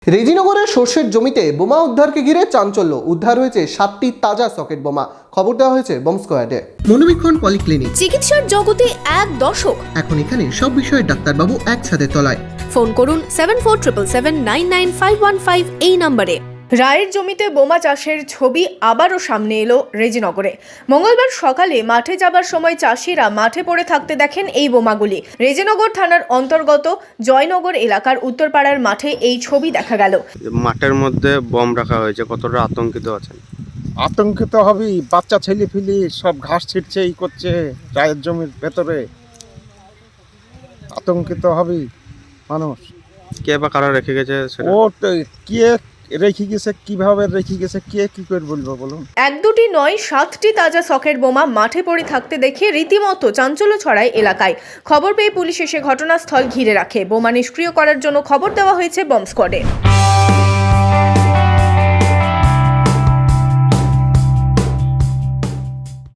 রেজিনগরের সর্ষের জমিতে বোমা উদ্ধারকে ঘিরে চাঞ্চল্য। উদ্ধার হয়েছে 7টি তাজা সকেট বোমা। খবর দেওয়া হয়েছে বম্ব স্কোয়াডে। মনোবীক্ষণ পলিক্লিনিক, চিকিৎসার জগতে এক দশক। এখন এখানে সব বিষয়ে ডাক্তারবাবু একসাথে তলায়। ফোন করুন 7477799515 এই নম্বরে। রায়ের জমিতে বোমা চাষের ছবি আবারও সামনে এলো রেজিনগরে। মঙ্গলবার সকালে মাঠে যাবার সময় চাষিরা মাঠে পড়ে থাকতে দেখেন এই বোমাগুলি। রেজিনগর থানার অন্তর্গত জয়নগর এলাকার উত্তরপাড়ার মাঠে এই ছবি দেখা গেল। মাঠের মধ্যে বম রাখা হয়েছে, কতটা আতঙ্কিত আছেন? আতঙ্কিত হবেই, বাচ্চা ছেলে ফিলি সব ঘাস ছিটছে, এই করছে রায়ের জমির ভেতরে, আতঙ্কিত হবেই মানুষ। কে বা কারা রেখে গেছে সেটা? ও কে রেখে গেছে, কিভাবে রেখে গেছে, কে কি করে বলবো বলুন। এক দুটি নয়, 7টি তাজা সকেট বোমা মাঠে পড়ে থাকতে দেখে রীতিমতো চাঞ্চল্য ছড়ায় এলাকায়। খবর পেয়ে পুলিশ এসে ঘটনাস্থল ঘিরে রাখে। বোমা নিষ্ক্রিয় করার জন্য খবর দেওয়া হয়েছে বম্ব স্কোয়াডে।